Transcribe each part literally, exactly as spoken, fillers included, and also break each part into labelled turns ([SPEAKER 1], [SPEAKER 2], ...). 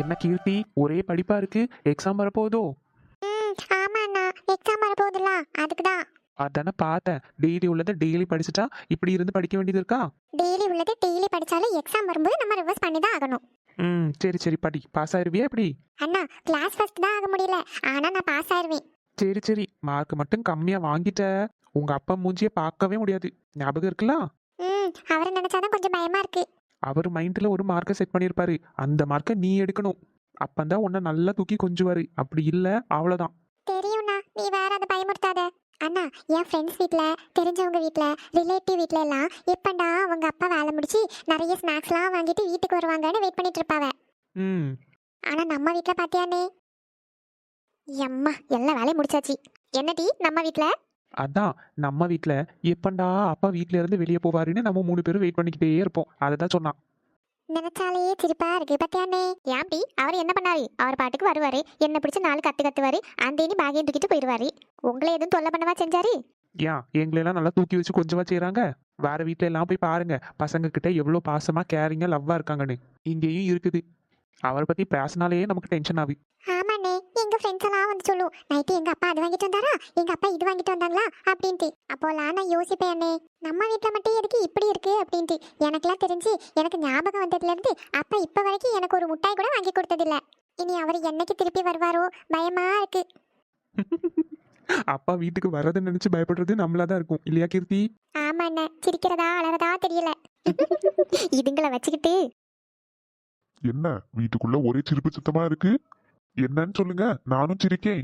[SPEAKER 1] என்ன கீர்த்தி, ஒரே படிப்பா இருக்கு. எக்ஸாம் வரப்போகுதோ?
[SPEAKER 2] ம் ஆமா அண்ணா, எக்ஸாம் வரப்போகுதுல, அதுக்கு தான்.
[SPEAKER 1] அதானே பார்த்தேன். டெய்லி உள்ளதை டெய்லி படிச்சுட்டா இப்படி இருந்து படிக்க வேண்டியது இருக்கா?
[SPEAKER 2] டெய்லி உள்ளது டெய்லி படிச்சாலும் எக்ஸாம் வரும்போது நம்ம ரிவர்ஸ் பண்ணி தான் ஆகணும்.
[SPEAKER 1] ம் சரி சரி படி. பாஸ் ஆயிருவியா எப்படி?
[SPEAKER 2] அண்ணா, கிளாஸ் ஃபர்ஸ்ட் தான் ஆக முடியல, ஆனா நான் பாஸ் ஆயிருவேன்.
[SPEAKER 1] சரி சரி, மார்க் மட்டும் கம்மியா வாங்கிட்ட. உங்க அப்பா மூஞ்சிய பார்க்கவே முடியாது. ஞாபகம் இருக்குல்ல?
[SPEAKER 2] ம் அவரை நினைச்சாதான் கொஞ்சம் பயமா இருக்கு.
[SPEAKER 1] அவர் மைண்ட்ல ஒரு மார்க்கை செட் பண்ணியிருப்பாரு. அந்த மார்க்கை நீ எடுக்கணும். அப்பந்தான் உன்னை நல்லா தூக்கி கொஞ்சுவாரு. அப்படி இல்ல அவ்வளவுதான்.
[SPEAKER 2] தெரியும்ண்ணா, நீ வேற அதை பயமுறுத்தாத. அண்ணா, என் ஃப்ரெண்ட்ஸ் வீட்டில், தெரிஞ்சவங்க வீட்டில், ரிலேட்டிவ் வீட்டில எல்லாம் எப்பண்டா அவங்க அப்பா வேலை முடிச்சு நிறைய ஸ்நாக்ஸ்லாம் வாங்கிட்டு வீட்டுக்கு வருவாங்கன்னு வெயிட் பண்ணிட்டு இருப்பாவ.
[SPEAKER 1] ம்
[SPEAKER 2] ஆனா நம்ம வீட்டில் பாத்தியானே, எம்மா எல்லா வேலையும் முடிச்சாச்சு. என்னடி நம்ம வீட்டில்?
[SPEAKER 1] அதான், நம்ம வீட்ல எப்பண்டா அப்பா வீட்ல இருந்து வெளியே போவாருன்னு நம்ம மூணு பேரும் வெயிட் பண்ணிக்கிட்டே இருப்போம். அதை தான் சொன்னான்.
[SPEAKER 2] நினைச்சாலே சிரிப்பா இருக்கு பத்தியானே. ஏன்டி அவர் என்ன பண்ணாரு? அவர் பாட்டுக்கு வருவாரு, என்ன பிடிச்ச நாலு கத்து கத்துவாரு, அந்தேனி பேகையும் தூக்கிட்டு போயிடுவாரு. உங்களை எதுவும் தொல்லை பண்ணவா செஞ்சாரு?
[SPEAKER 1] ஏன் எங்களெல்லாம் நல்லா தூக்கி வச்சு கொஞ்சமா செய்றாங்க? வேற வீட்ல எல்லாம் போய் பாருங்க, பசங்க கிட்ட எவ்வளவு பாசமா கேரிங்கா லவ்வா இருக்காங்கன்னு. இங்கேயும் இருக்குது. அவரை பத்தி பேசினாலே நமக்கு டென்ஷன் ஆகுது.
[SPEAKER 2] ஆமாண்ணே, எங்க ஃப்ரெண்ட்ஸ் எல்லாம் வந்து சொல்லும், நைட்டு எங்க அப்பா அது வாங்கிட்டு வந்தாரா, எங்க அப்பா இது வாங்கிட்டு வந்தாங்களா அப்படின்ட்டு. அப்போலாம் நான் யோசிப்பேன், அண்ணே நம்ம வீட்டுல மட்டும் எதுக்கு இப்படி இருக்கு அப்படின்ட்டு. எனக்கெல்லாம் தெரிஞ்சு எனக்கு ஞாபகம் வந்ததுல இருந்து அப்பா இப்ப வரைக்கும் எனக்கு ஒரு முட்டாய் கூட வாங்கி கொடுத்ததில்ல. இனி அவர் என்னைக்கு திருப்பி வருவாரோ பயமா இருக்கு.
[SPEAKER 1] அப்பா வீட்டுக்கு வர்றதை நினைச்சு பயப்படுறது நம்மளாதான் இருக்கும் இல்லையா கீர்த்தி?
[SPEAKER 2] ஆமா அண்ணே, சிரிக்கிறதா அலறதா தெரியல. இதுங்களை வச்சுக்கிட்டு.
[SPEAKER 3] என்ன வீட்டுக்குள்ள ஒரே சிரிப்பு சத்தமா இருக்கு? என்னன்னு சொல்லுங்க, நானும் சிரிக்கேன்.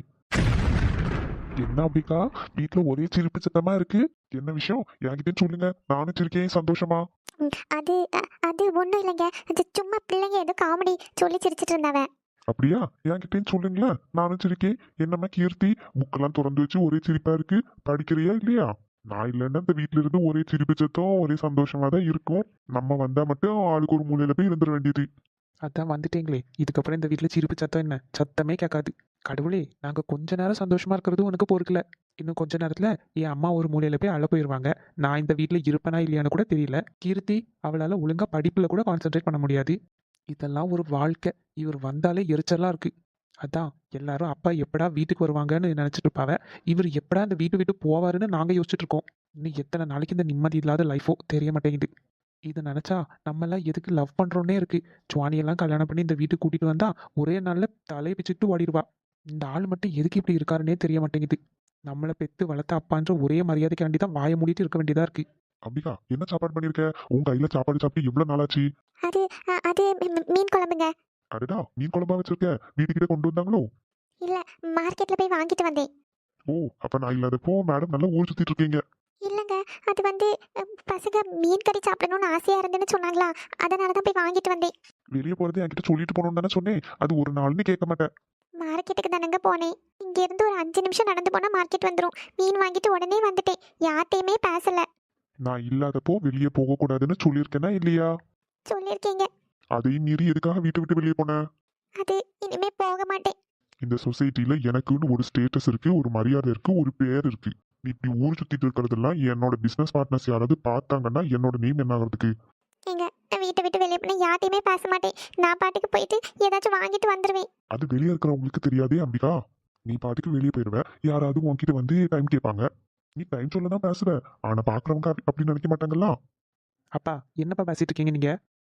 [SPEAKER 3] என்ன அப்படிக்கா, வீட்டுல ஒரே சிரிப்பு சத்தமா இருக்கு? என்ன விஷயம் என்கிட்ட சொல்லுங்க, நானும் சிரிக்கேன் சந்தோஷமா.
[SPEAKER 2] ம், அது அ- அது ஒண்ணும் இல்லைங்க, அது சும்மா பிள்ளைங்க ஏதோ காமெடி சொல்லி சிரிச்சிட்டு இருந்தாவ.
[SPEAKER 3] அப்படியா, என்கிட்ட சொல்லுங்களேன், நானும் சிரிக்கேன். என்னம்மா கீர்த்தி, புக்கெல்லாம் திறந்து வச்சு ஒரே சிரிப்பா இருக்கு, படிக்கிறியா இல்லையா? நான் இல்லைன்னா இந்த வீட்டுல இருந்து ஒரே சிரிப்பு சத்தம், ஒரே சந்தோஷமா தான் இருக்கும். நம்ம வந்தா மட்டும் ஆளுக்கு ஒரு மூலையில போய் இருந்துட வேண்டியது.
[SPEAKER 1] அதான் வந்துட்டீங்களே, இதுக்கப்புறம் இந்த வீட்டுல சிரிப்பு சத்தம் என்ன? சத்தமே கேட்காது. கடவுளே, நாங்க கொஞ்ச நேரம் சந்தோஷமா இருக்கிறது உனக்கு பொறுக்கல. இன்னும் கொஞ்ச நேரத்துல என் அம்மா ஒரு மூலையில போய் அழ போயிருவாங்க. நான் இந்த வீட்டுல இருப்பேனா இல்லையான்னு கூட தெரியல. கீர்த்தி அவளால ஒழுங்கா படிப்புல கூட கான்சென்ட்ரேட் பண்ண முடியாது. இதெல்லாம் ஒரு வாழ்க்கை. இவர் வந்தாலே எரிச்சலா இருக்கு. அதான் எல்லாரும் அப்பா எப்படா வீட்டுக்கு வருவாங்கன்னு நினைச்சிட்டு இருப்பாவ. இவர் எப்படா இந்த வீட்டு விட்டு போவாருன்னு நாங்க யோசிச்சுட்டு இருக்கோம். இன்னும் எத்தனை நாளைக்கு இந்த நிம்மதி இல்லாத லைஃபோ தெரிய மாட்டேங்குது. இதை நினைச்சா நம்ம எல்லாம் எதுக்கு லவ் பண்றோன்னே இருக்கு. சுவானியெல்லாம் கல்யாணம் பண்ணி இந்த வீட்டுக்கு கூட்டிட்டு வந்தா ஒரே நாள்ல தலையை பிச்சுட்டு ஓடிடுவா. இந்த ஆள் மட்டும் எதுக்கு இப்படி இருக்காருன்னே தெரிய மாட்டேங்குது. நம்மளை பெத்து வளர்த்த அப்பான்ற ஒரே மரியாதைக்காண்டி தான் வாயை மூடிட்டு இருக்க வேண்டியதா இருக்கு.
[SPEAKER 3] அப்படிக்கா, என்ன சாப்பாடு பண்ணிருக்க? உன் கையில சாப்பாடு சாப்பிட்டு எவ்வளவு நாளாச்சு?
[SPEAKER 2] அது அ- அது மீ- மீன் குழம்புங்க.
[SPEAKER 3] அடடா, மீன் குழம்பா வச்சிருக்க? வீட்டுக்கிட்ட கொண்டு வந்தாங்களோ?
[SPEAKER 2] இல்ல, மார்க்கெட்ல போய் வாங்கிட்டு வந்தேன்.
[SPEAKER 3] ஓ, அப்ப நான் இல்லாதப்போ மேடம் நல்லா ஊர் சுத்திட்டு இருக்கீங்க.
[SPEAKER 2] இல்லங்க, அது வந்து அ, பசங்க மீன் கறி சாப்பிடணும்னு ஆசையா இருந்துன்னு சொன்னாங்களா, அதனால தான் போய் வாங்கிட்டு வந்தேன்.
[SPEAKER 3] வெளியே போறது என்கிட்ட சொல்லிட்டு போகணும்னு தானே சொன்னேன். அது ஒரு நாள்னு கேட்க மாட்டேன்.
[SPEAKER 2] மார்க்கெட்டுக்கு தானங்க போனேன். இங்க இருந்து ஒரு அஞ்சு நிமிஷம் நடந்து போனா மார்க்கெட் வந்துடும். மீன் வாங்கிட்டு உடனே வந்துட்டேன், யார்ட்டையுமே பேசல.
[SPEAKER 3] நான் இல்லாதப்போ வெளியே போக கூடாதுன்னு சொல்லியிருக்கேனா இல்லையா?
[SPEAKER 2] சொல்லியிருக்கீங்க.
[SPEAKER 3] அதையும் மீறி எதுக்காக வீட்டை விட்டு வெளியே போன?
[SPEAKER 2] அது இனிமே போக மாட்டேன்.
[SPEAKER 3] இந்த சொசைட்டில எனக்குன்னு ஒரு ஸ்டேட்டஸ் இருக்கு, ஒரு மரியாதை இருக்கு, ஒரு பேர் இருக்கு. நீ இப்படி ஊர் சுத்திட்டு இருக்கிறதெல்லாம் என்னோட பிசினஸ் பார்ட்னர்ஸ் யாராவது பார்த்தாங்கன்னா என்னோட நேம் என்ன ஆகிறதுக்கு?
[SPEAKER 2] எங்க நான் வீட்டை விட்டு வெளியே போனா யார்ட்டையுமே பேச மாட்டேன். நான் பாட்டுக்கு போயிட்டு ஏதாச்சும் வாங்கிட்டு வந்துருவேன்.
[SPEAKER 3] அது வெளியே இருக்கிறவங்களுக்கு தெரியாதே அம்பிகா. நீ பாட்டுக்கு வெளியே போயிடுவ, யாராவது உன்கிட்ட வந்து டைம் கேட்பாங்க. நீ டைம் சொல்ல தான் பேசுவ, ஆனா பாக்குறவங்க அப்படி அப்படி நினைக்க மாட்டாங்களா?
[SPEAKER 1] அப்பா என்னப்பா பேசிட்டு இருக்கீங்க நீங்க?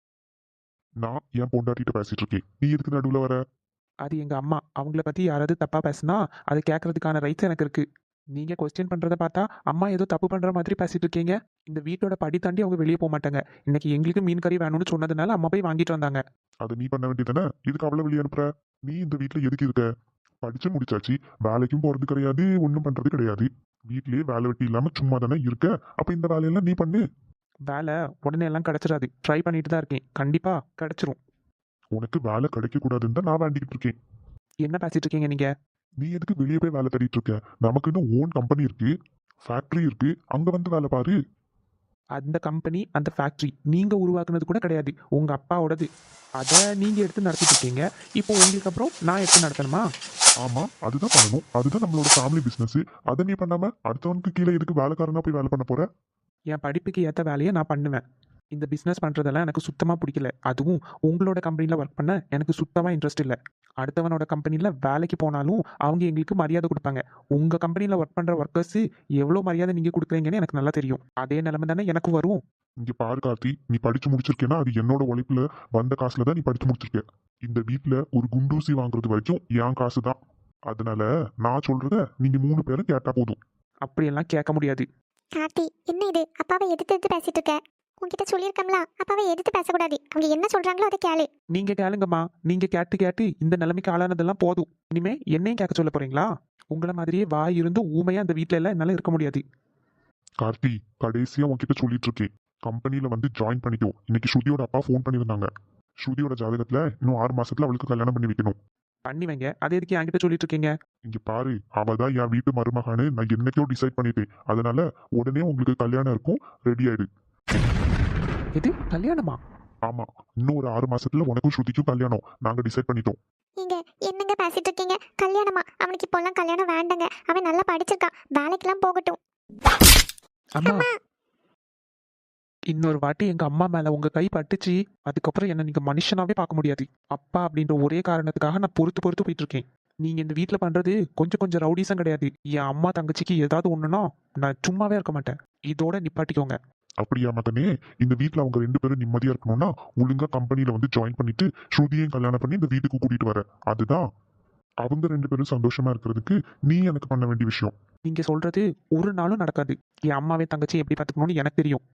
[SPEAKER 3] நான் என் பொண்டாட்டிட்ட பேசிட்டு இருக்கேன், நீ எதுக்கு நடுவுல வர?
[SPEAKER 1] அது எங்க அம்மா. அவங்கள பத்தி யாராவது தப்பா பேசினா அதை கேட்கறதுக்கான ரைட்ஸ் எனக்கு இருக்கு. நீங்க கொஸ்டின் பண்றதை பார்த்தா அம்மா ஏதோ தப்பு பண்ற மாதிரி பேசிட்டு இருக்கீங்க. இந்த வீட்டோட படி தாண்டி அவங்க வெளியே போக மாட்டாங்க. இன்னைக்கு எங்களுக்கு மீன் கறி வேணும்னு சொன்னதுனால அம்மா போய் வாங்கிட்டு வந்தாங்க.
[SPEAKER 3] அதை நீ பண்ண வேண்டியதானே, இதுக்கு அவளை வெளியே அனுப்புற? நீ இந்த வீட்டுல எதுக்கு இருக்க? படிச்சு முடிச்சாச்சு, வேலைக்கும் போறது கிடையாது, ஒன்றும் பண்றது கிடையாது. வீட்லயே வேலை வெட்டி இல்லாம சும்மா தானே இருக்க. அப்ப இந்த வேலையெல்லாம் நீ பண்ணு.
[SPEAKER 1] வேலை உடனே எல்லாம் கிடைச்சிடாது. ட்ரை பண்ணிட்டு தான் இருக்கேன். கண்டிப்பா கிடைச்சிரும்.
[SPEAKER 3] உனக்கு வேலை கிடைக்க கூடாதுன்னு தான் நான் வேண்டிக்கிட்டு இருக்கேன்.
[SPEAKER 1] என்ன பேசிட்டு இருக்கீங்க நீங்க?
[SPEAKER 3] நீ எதுக்கு வெளியே போய் வேலை தேடிட்டு இருக்க? நமக்குன்னு ஓன் கம்பெனி இருக்கு, ஃபேக்டரி இருக்கு, அங்க வந்து வேலை பாரு.
[SPEAKER 1] அந்த கம்பெனி அந்த ஃபேக்டரி நீங்க உருவாக்குனது கூட கிடையாது, உங்க அப்பாவோடது. அதை நீங்க எடுத்து நடத்திட்டு இருக்கீங்க. இப்போ உங்களுக்கு அப்புறம் நான் எடுத்து நடத்தணுமா?
[SPEAKER 3] ஆமா, அதுதான் பண்ணணும். அதுதான் நம்மளோட ஃபேமிலி பிசினஸ். அதை நீ பண்ணாம அடுத்தவனுக்கு கீழே எதுக்கு வேலைக்காரனா போய் வேலை பண்ண போற?
[SPEAKER 1] என் படிப்புக்கு ஏற்ற வேலையை நான் பண்ணுவேன். இந்த பிஸ்னஸ் பண்ணுறதெல்லாம் எனக்கு சுத்தமாக பிடிக்கல. அதுவும் உங்களோட கம்பெனியில் ஒர்க் பண்ண எனக்கு சுத்தமாக இன்ட்ரெஸ்ட் இல்லை. அடுத்தவனோட கம்பெனியில் வேலைக்கு போனாலும் அவங்க எங்களுக்கு மரியாதை கொடுப்பாங்க. உங்கள் கம்பெனியில் ஒர்க் பண்ணுற ஒர்க்கர்ஸு எவ்வளோ மரியாதை நீங்கள் கொடுக்குறீங்கன்னு எனக்கு நல்லா தெரியும். அதே நிலைமை தானே எனக்கு வரும்.
[SPEAKER 3] இங்க பாரு கார்த்தி, நீ படிச்சு முடிச்சிருக்கேன்னா அது என்னோட உழைப்புல வந்த காசுல தான் நீ படிச்சு முடிச்சிருக்க. இந்த வீட்ல ஒரு குண்டூசி வாங்குறது வரைக்கும் என் காசு தான். அதனால நான் சொல்றத நீங்க மூணு பேரும் கேட்டா போதும்.
[SPEAKER 1] அப்படியெல்லாம் கேட்க முடியாது.
[SPEAKER 2] கார்த்தி, என்ன இது? அப்பாவை எதிர்த்து எதிர்த்து பேசிட்டு இருக்க. உன்கிட்ட சொல்லியிருக்கோம்ல, அப்பாவை எதிர்த்து பேசக்கூடாது. அவங்க என்ன சொல்றாங்களோ அதை கேளு.
[SPEAKER 1] நீங்கள் கேளுங்கம்மா. நீங்கள் கேட்டு கேட்டு இந்த நிலைமைக்கு ஆளானதெல்லாம் போதும். இனிமே என்னையும் கேட்க சொல்ல போறீங்களா? உங்களை மாதிரியே வாய் இருந்தும் ஊமையாக அந்த வீட்டில எல்லாம் என்னால் இருக்க முடியாது.
[SPEAKER 3] கார்த்தி, கடைசியா உன்கிட்ட சொல்லிட்டு இருக்கேன், கம்பெனில வந்து ஜாயின் பண்ணிக்கோ. இன்னைக்கு ஸ்ருதியோட அப்பா ஃபோன் பண்ணியிருந்தாங்க. ஸ்ருதியோட ஜாதகத்துல இன்னும் ஆறு மாசத்துல அவளுக்கு கல்யாணம் பண்ணி வைக்கணும்.
[SPEAKER 1] பண்ணி வைங்க. அதை எதுக்கு என்கிட்ட சொல்லிட்டு இருக்கீங்க?
[SPEAKER 3] இங்க பாரு, அவ தான் என் வீட்டு மருமகான்னு நான் என்னைக்கோ டிசைட் பண்ணிட்டேன். அதனால உடனே உங்களுக்கு கல்யாணம் இருக்கும், ரெடி ஆயிடு.
[SPEAKER 1] இது கல்யாணமா?
[SPEAKER 3] ஆமா, இன்னும் ஒரு ஆறு மாசத்துல உனக்கும் ஸ்ருதிக்கும் கல்யாணம் நாங்க டிசைட் பண்ணிட்டோம்.
[SPEAKER 2] நீங்க என்னங்க பேசிட்டு இருக்கீங்க? கல்யாணமா? அவனுக்கு இப்போல்லாம் கல்யாணம் வேண்டாங்க. அவன் நல்லா படிச்சிருக்கான், வேலைக்கெல்லாம் போகட்டும்.
[SPEAKER 1] அம்மா, இன்னொரு வாட்டி எங்க அம்மா மேல உங்க கை பட்டுச்சு, அதுக்கப்புறம் என்ன நீங்க மனுஷனாவே பார்க்க முடியாது. அப்பா அப்படின்ற ஒரே காரணத்துக்காக நான் பொறுத்து பொறுத்து போயிட்டு இருக்கேன். நீங்க இந்த வீட்ல பண்றது கொஞ்சம் கொஞ்சம் ரவுடிசம் கிடையாது. என் அம்மா தங்கச்சிக்கு ஏதாவது ஒண்ணுனா நான் சும்மாவே இருக்க மாட்டேன். இதோட நிப்பாட்டிக்கோங்க.
[SPEAKER 3] அப்படியா மகனே? இந்த வீட்ல அவங்க ரெண்டு பேரும் நிம்மதியா இருக்கணும்னா ஒழுங்கா கம்பெனில வந்து ஜாயின் பண்ணிட்டு ஸ்ருதியையும் கல்யாணம் பண்ணி இந்த வீட்டுக்கு கூட்டிட்டு வர. அதுதான் அவங்க ரெண்டு பேரும் சந்தோஷமா இருக்கிறதுக்கு நீ எனக்கு பண்ண வேண்டிய விஷயம்.
[SPEAKER 1] நீங்க சொல்றது ஒரு நாளும் நடக்காது. என் அம்மாவே தங்கச்சி எப்படி பாத்துக்கணும்னு எனக்கு தெரியும்.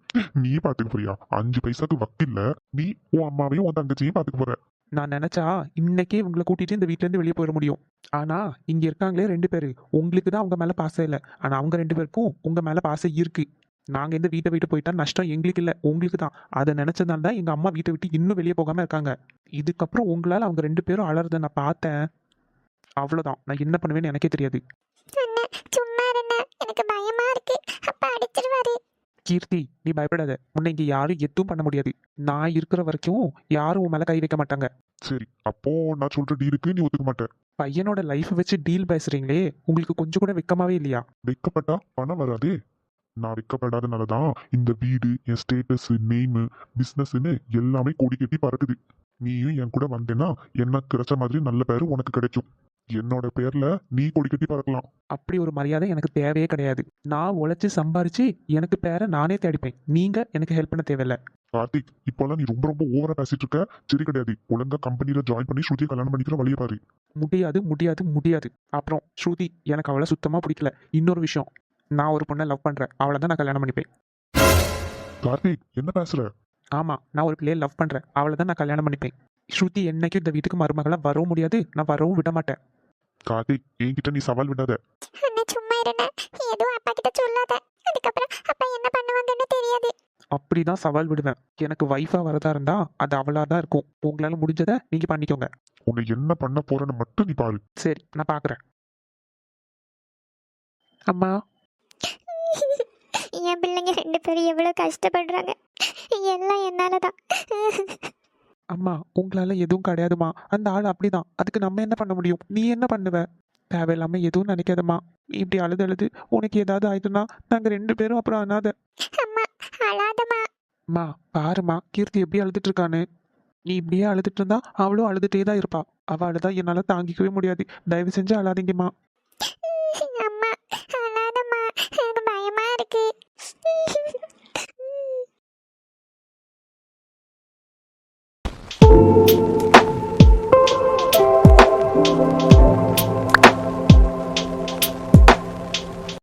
[SPEAKER 3] நீ பாத்துக்க போறியா? அஞ்சு பைசாக்கு வக்கில்ல நீ உன் அம்மாவையும் உன் தங்கச்சியும் பாத்துக்க போற.
[SPEAKER 1] நான் நினைச்சா இன்னைக்கே உங்களை கூட்டிட்டு இந்த வீட்ல இருந்து வெளியே போயிட முடியும். ஆனா இங்க இருக்காங்களே ரெண்டு பேரு, உங்களுக்கு தான் அவங்க மேல பாசம் இல்லை. ஆனா அவங்க ரெண்டு பேருக்கும் உங்க மேல பாசம் இருக்கு. நாங்க இந்த வீட்டை விட்டு போயிட்டா நஷ்டம் எங்களுக்கு இல்லை, உங்களுக்கு தான். அதை நினைச்சதால தான் எங்க அம்மா வீட்டை விட்டு இன்னும் வெளியே போகாம இருக்காங்க. இதுக்கப்புறம் உங்களால அவங்க ரெண்டு பேரும் அலறத நான் பார்த்தேன். அவ்வளவுதான். நான் என்ன பண்ணுவேன்னு எனக்கே தெரியாது.
[SPEAKER 2] அண்ணா, சும்மா இருண்ணா, எனக்கு பயமா இருக்கு. அப்பா அடிச்சிருவாரு.
[SPEAKER 1] கீர்த்தி, நீ பயப்படாத. உன்னை இங்க யாரும் எதுவும் பண்ண முடியாது. நான் இருக்கிற வரைக்கும் யாரும் உன் மேல கை வைக்க மாட்டாங்க.
[SPEAKER 3] சரி, அப்போ நான் சொல்ற டீலுக்கு நீ ஒத்துக்க மாட்ட.
[SPEAKER 1] பையனோட லைஃப் வச்சு டீல் பேசுறீங்களே, உங்களுக்கு கொஞ்சம் கூட வெக்கமாவே இல்லையா?
[SPEAKER 3] வெக்கப்பட்டா பணம் வராதே. நான் வெக்கப்படாதனாலதான் இந்த வீடு, என் ஸ்டேட்டஸ், நேமு, பிசினஸ்ன்னு எல்லாமே கொடி கட்டி பறக்குது. நீயும் என் கூட வந்தேன்னா என்ன கிடைச்ச மாதிரி நல்ல பேரு உனக்கு கிடைக்கும். என்னோட பேர்ல நீ கொடி கட்டி பறக்கலாம்.
[SPEAKER 1] அப்படி ஒரு மரியாதை எனக்கு தேவையே கிடையாது. நான் உழைச்சு சம்பாரிச்சு எனக்கு பேரை நானே தேடிப்பேன். நீங்க எனக்கு ஹெல்ப் பண்ண தேவையில்ல.
[SPEAKER 3] கார்த்திக், இப்போல்லாம் நீ ரொம்ப ரொம்ப ஓவரா பேசிட்டு இருக்க. சரி கிடையாது. ஒழுங்கா கம்பெனில ஜாயின் பண்ணி ஸ்ருதியை கல்யாணம் பண்ணிக்கிற வழியை பாரு.
[SPEAKER 1] முடியாது முடியாது முடியாது. அப்புறம் ஸ்ருதி, எனக்கு அவளை சுத்தமா பிடிக்கல. இன்னொரு விஷயம், நான் ஒரு பொண்ணை லவ் பண்றேன். அவளை தான் நான் கல்யாணம் பண்ணிப்பேன்.
[SPEAKER 3] கார்த்திக், என்ன பேசுற?
[SPEAKER 1] ஆமா, நான் ஒரு பிள்ளையை லவ் பண்றேன். அவளை தான் நான் கல்யாணம் பண்ணிப்பேன். ஸ்ருதி என்னைக்கும் இந்த வீட்டுக்கு மருமகளா வரவும் முடியாது, நான் வரவும் விட மாட்டேன்.
[SPEAKER 3] கார்த்திக், என்கிட்ட நீ சவால் விடாத.
[SPEAKER 2] அண்ணா, சும்மா இருண்ணா, எதுவும் அப்பா கிட்ட சொல்லாத. அதுக்கப்புறம் அப்பா என்ன பண்ணுவாங்கன்னு தெரியாது.
[SPEAKER 1] அப்படிதான் சவால் விடுவேன். எனக்கு வைஃபா வரதா இருந்தா அது அவளா தான் இருக்கும். உங்களால முடிஞ்சதை நீங்க பண்ணிக்கோங்க.
[SPEAKER 3] உன்னை என்ன பண்ண போறேன்னு மட்டும் நீ பாரு.
[SPEAKER 1] சரி, நான் பாக்குறேன். அம்மா,
[SPEAKER 2] என் பிள்ளைங்க ரெண்டு பேரும் எவ்வளவு கஷ்டப்படுறாங்க. எல்லாம் என்னாலதான்.
[SPEAKER 1] அம்மா, உங்களால எதுவும் கிடையாதுமா. அந்த ஆள் அப்படிதான். அதுக்கு நம்ம என்ன பண்ண முடியும்? நீ என்ன பண்ணுவ? தேவையில்லாம எதுவும் நினைக்காதம்மா. நீ இப்படி அழுது அழுது உனக்கு ஏதாவது ஆயிடுனா நாங்க ரெண்டு பேரும் அப்புறம் அனாத.
[SPEAKER 2] அம்மா, அழாதம்மா.
[SPEAKER 1] அம்மா பாருமா, கீர்த்தி எப்படி அழுதுட்டு இருக்கான்னு. நீ இப்படியே அழுதுட்டு இருந்தா அவளும் அழுதுட்டே தான் இருப்பா. அவ அழுதா என்னால தாங்கிக்கவே முடியாது. தயவு செஞ்சு அழாதீங்கம்மா.
[SPEAKER 2] அம்மா, அழாதம்மா, எனக்கு பயமா இருக்கு.
[SPEAKER 3] Thank you.